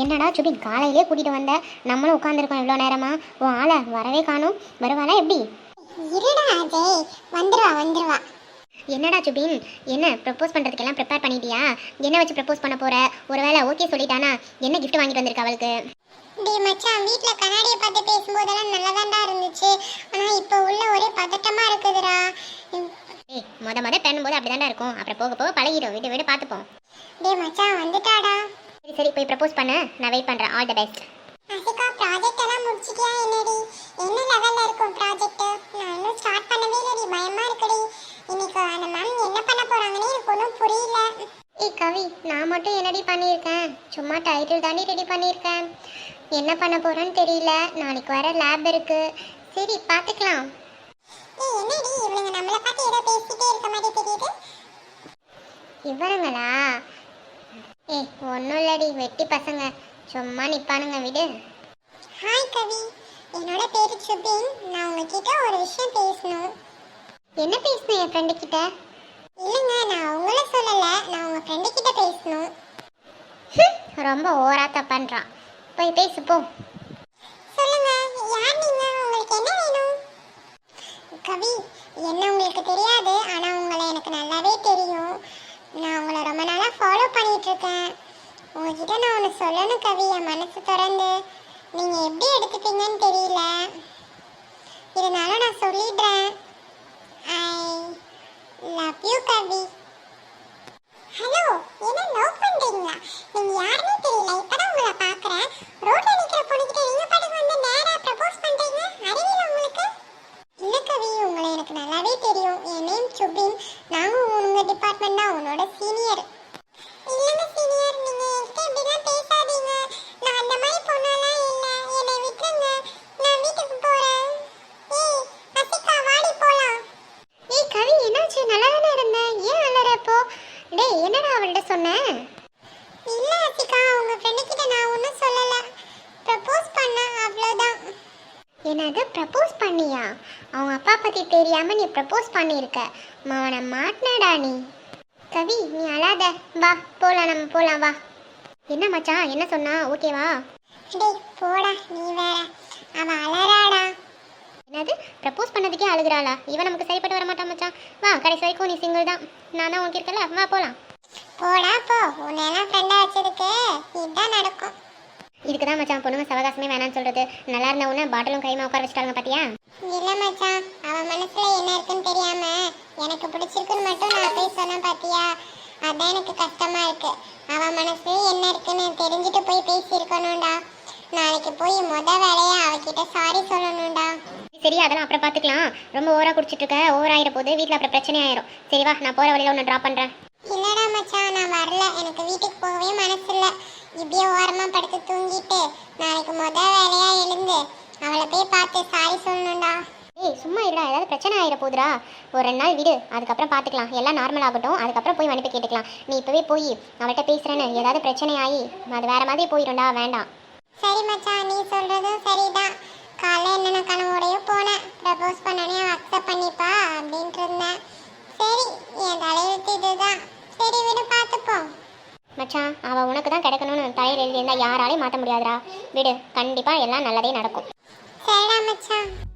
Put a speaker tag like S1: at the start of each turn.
S1: என்னடா சுபின் காலையிலே கூட்டிட்டு வந்த, நம்மளும் உட்காந்துருக்கோம் இவ்வளோ நேரமா, உன் ஆளை வரவே காணும். வருவாளா எப்படி?
S2: இருடா அஜய், வந்துருவா.
S1: என்னடா சுபின், என்ன ப்ரப்போஸ் பண்ணுறதுக்கெல்லாம் ப்ரிப்பேர் பண்ணிட்டியா? என்ன வச்சு ப்ரப்போஸ் பண்ண போற? ஒருவேளை ஓகே சொல்லிட்டானா என்ன கிஃப்ட் வாங்கிட்டு வந்திருக்க அவளுக்கு?
S2: டேய் மச்சான், வீட்ல கண்ணாடியை பார்த்து பேசும்போதெல்லாம் நல்லதாண்டா இருந்துச்சு. ஆனா இப்போ உள்ள ஒரே பதட்டமா இருக்குதுடா.
S1: ஏய், முத பண்ணும்போது அப்படிதான்டா இருக்கும், அப்புறம் போக போக பழகிடும். விட்டு பார்த்துப்போம்.
S2: டேய் மச்சான், வந்துட்டாடா.
S1: சரி போய் ப்ரப்போஸ் பண்ண, நான் வெயிட் பண்ணுறேன். All the best.
S2: Asika, project எல்லாம் முடிச்சிட்டியா என்னடி? என்ன லெவல்ல இருக்கும் ப்ராஜெக்ட்? நான் இன்னும் ஸ்டார்ட் பண்ணவே இல்லடி, பயமா இருக்குடி. இன்னைக்கு அந்த மேம் என்ன பண்ண போறாங்கன்னு எனக்கு ஒன்றும் புரியல.
S1: ஏய் கவி, நான் மட்டும் என்னடி பண்ணியிருக்கேன்? சும்மா டைட்டில் தாண்டி ரெடி பண்ணியிருக்கேன். என்ன பண்ண போறேன்னு தெரியல. நாளைக்கு வர லேப் இருக்கு. சரி பார்த்துக்கலாம்.
S2: ஏய் என்னடி இவங்க நம்மள பார்த்து ஏதோ பேசிட்டே இருக்க மாதிரி தெரியுது?
S1: இவருங்களா? ஏய் ஒன்றும் இல்லடி, வெட்டி பசங்க சும்மா நிப்பானுங்க, விடு.
S2: ஹாய் கவி, என்னோட பேரு சுபின். நான் உங்ககிட்ட ஒரு விஷயம் பேசணும்.
S1: என்ன பேசணும் என் ஃப்ரெண்டு கிட்ட?
S2: இல்லைங்க, நான் உங்களை சொல்லல, நான் உங்க ஃப்ரெண்டு கிட்ட பேசணும்.
S1: ரொம்ப ஓராத்த பண்றான். போய் பேசு போ.
S2: சொல்லுங்க, யார் நீங்க? உங்களுக்கு என்ன வேணும்? கவி, என்ன உங்களுக்கு தெரியாது, ஆனா உங்களை எனக்கு நல்லாவே தெரியும். நான் உங்களை ரொம்ப நாளா ஃபாலோ பண்ணிட்டு இருக்கேன். உங்ககிட்ட நான் ஒன்று சொல்லணும் கவி, என் மனசு திறந்து. நீங்க எப்படி எடுத்துப்பீங்கன்னு தெரியல, இருந்தாலும் நான் சொல்லிடுறேன். I love you Kavi. Hello, என்ன லவ் பண்றீங்களா? நீங்க யாருன்னே தெரியல, இப்பதான் உங்களை பார்க்கறேன். ரோட்ல நிக்கிற பொண்ணுகிட்ட நீங்க பாட்டுக்கு வந்து நேரா ப்ரப்போஸ் பண்றீங்க, அறிவியல உங்களுக்கு? இல்ல கவி, உங்களை எனக்கு நல்லாவே தெரியும். என் நேம் சுபின். நாங்க உங்க டிபார்ட்மெண்ட் தான், உன்னோட சீனியர். இல்லங்க சீனியர், நீங்க என்கிட்ட இப்படிலாம் பேசாதீங்க. நான் அந்த மாதிரி பொண்ணெல்லாம் இல்ல, என்னை விட்டுருங்க. நான் வீட்டுக்கு போறேன். ஏய் அசிகா, வாடி போலாம்.
S1: ஏய் கவி, என்னாச்சு? நல்லா தானே இருந்தேன், ஏன் அலற இப்போ? டேய் என்னடா அவள்கிட்ட சொன்னேன்?
S2: இல்ல அசிகா, உங்க ஃப்ரெண்டு கிட்ட நான் ஒன்றும் சொல்லல, ப்ரப்போஸ் பண்ண அவ்வளோதான்.
S1: என்னது ப்ரப்போஸ் பண்ணியா? அவங்க அப்பா பற்றி தெரியாமல் நீ ப்ரப்போஸ் பண்ணியிருக்க. அவனை மாட்டினடா நீ. கவி நீ அழாத, வா போகலாம், நம்ம போகலாம் வா. என்ன மச்சான், என்ன சொன்னா? ஓகேவா?
S2: டேய் போடா, நீ வேற. அவ அலறாடா.
S1: என்னது ப்ரப்போஸ் பண்ணதுக்கே அழுகிறாளா? இவன் நமக்கு சரிப்பட்டு வர மாட்டான் மச்சான். வா, கடைசி வரைக்கும் நீ சிங்கிள் தான், நான் தான் உனக்கு இருக்கல, வா போகலாம்.
S2: போடா போ, உன்னெல்லாம் ஃப்ரெண்டா வச்சதுக்கு இதுதான் நடக்கும்.
S1: இதுக்கு தான் மச்சான் பொண்ணுங்க சவகாசமே வேணான்னு சொல்கிறது. நல்லா இருந்த உடனே பாட்டிலும் கைமா உட்கார வச்சுட்டாங்க பார்த்தியா?
S2: இல்ல மச்சான், அவ மனசுல என்ன இருக்குன்னு தெரியாம எனக்கு பிடிச்சிருக்குன்னு மட்டும் நான் போய் சொன்னேன் பாத்தியா? அதான் எனக்கு கஷ்டமா இருக்கு. அவ மனசுல என்ன இருக்குன்னு தெரிஞ்சுட்டு போய் பேசியிருக்கணும்டா. நாளைக்கு போய் வேலையா அவகிட்ட சாரி சொல்லணும்டா.
S1: சரி அதெல்லாம் அப்புறம் பார்த்துக்கலாம். ரொம்ப ஓவராக குடிச்சிட்டு இருக்க, ஓவர் ஆகிற போது வீட்டில் அப்புறம் பிரச்சனை ஆயிரும். சரி வா, நான் போகிற வழியில் ஒன்று ட்ராப் பண்ணுறேன்.
S2: இல்லடா மச்சான், நான் வரல. எனக்கு வீட்டுக்கு போகவே மனசு இல்லை. இப்படியே ஓரமா படுத்து தூங்கிட்டு நாளைக்கு வேலையா எழுந்து அவளை போய் பார்த்து சாரி சொல்லணும்டா.
S1: ஏய் சும்மா இல்லடா, ஏதாவது பிரச்சனை ஆகிட போகுதுடா. ஒரு 2 நாள் விடு, அதுக்கப்புறம் பார்த்துக்கலாம். எல்லாம் நார்மல் ஆகட்டும், அதுக்கப்புறம் போய் மன்னிப்பு கேட்டுக்கலாம். நீ இப்போவே போய் அவள்கிட்ட பேசுகிறேன்னு ஏதாவது பிரச்சனை ஆகி அது வேறு மாதிரி போயிடும்டா, வேண்டாம்.
S2: சரி மச்சான், நீ சொல்றதும் சரிதான். காலைல என்னென்ன கனவோடையோ போனேன், ப்ரப்போஸ் பண்ணனே அவன் அக்செப்ட் பண்ணிப்பா அப்படின்ட்டு இருந்தேன். சரி, என் தலையெழுத்து இதுதான். சரி விடு, பார்த்துப்போம்.
S1: மச்சான் அவள் உனக்கு தான் கிடைக்கணும்னு தலையில் எழுதியிருந்தா யாராலையும் மாற்ற முடியாதுடா. விடு, கண்டிப்பாக எல்லாம் நல்லதே நடக்கும்.
S2: சரிடா மச்சான்.